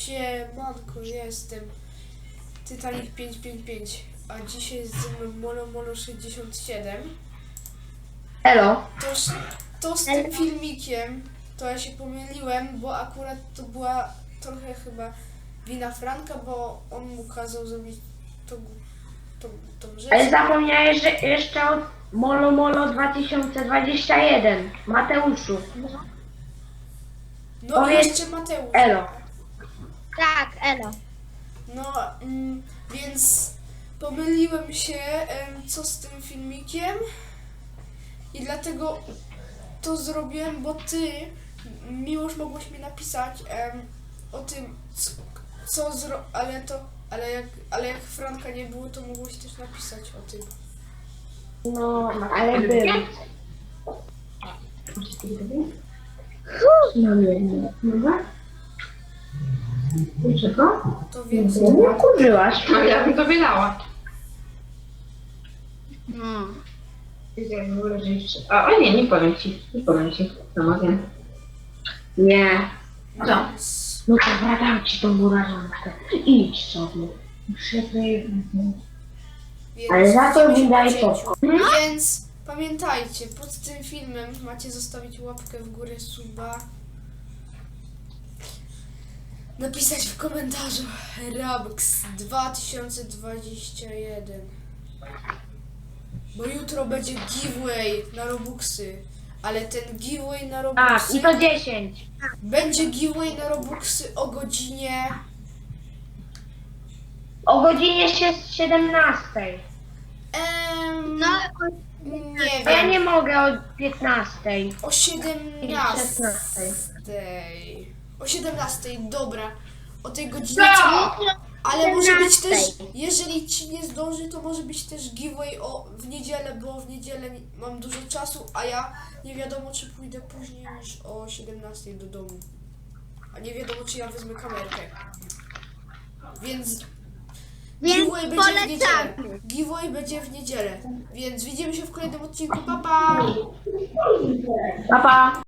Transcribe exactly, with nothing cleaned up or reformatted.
Siemanko, jestem Titanic pięćset pięćdziesiąt pięć, a dzisiaj jest ze mną Molo Molo sześćdziesiąt siedem. Elo. To, to z tym filmikiem, to ja się pomyliłem, bo akurat to była trochę chyba wina Franka, bo on mu kazał zrobić tą, tą, tą rzecz. Ale zapomniałeś, że jeszcze od Molo Molo dwa tysiące dwudziesty pierwszy. Mateuszu. No i Powiedz jeszcze Mateusz. Elo. Tak, Elo. No, mm, więc pomyliłem się, em, co z tym filmikiem i dlatego to zrobiłem, bo ty, Miłosz, mogłeś mi napisać em, o tym, co, co zro... ale to, ale jak, ale jak Franka nie było, to mogłeś też napisać o tym. No, ale był. No nie, nie. Dobra? Dlaczego? To więc... Nie kurzyłaś. No ja bym tobie dała. No. A, o nie, nie powiem ci. Nie powiem ci. Zamawiam. Nie. Co? Więc, No to wracam ci tą murażankę. Idź sobie. Muszę więc Ale za to widzimy się mi po daj cięciu. popcorn. Więc pamiętajcie, pod tym filmem macie zostawić łapkę w górę, suba, napisać w komentarzu Robux dwa tysiące dwadzieścia jeden, bo jutro będzie giveaway na Robuxy, ale ten giveaway na Tak, Robuxy i to dziesięć. będzie giveaway na Robuxy o godzinie O godzinie siedemnastej. em, No, nie A ja wiem, nie mogę o piętnastej. o siedemnastej. O siedemnastej, dobra. O tej godzinie. Ale może być też, jeżeli ci nie zdąży, to może być też giveaway o, w niedzielę, bo w niedzielę nie- mam dużo czasu, a ja nie wiadomo, czy pójdę później niż o siedemnastej do domu. A nie wiadomo, czy ja wezmę kamerkę. Więc Więc giveaway będzie w niedzielę. polecamy. Giveaway będzie w niedzielę. Więc widzimy się w kolejnym odcinku. Pa, pa! Pa, pa.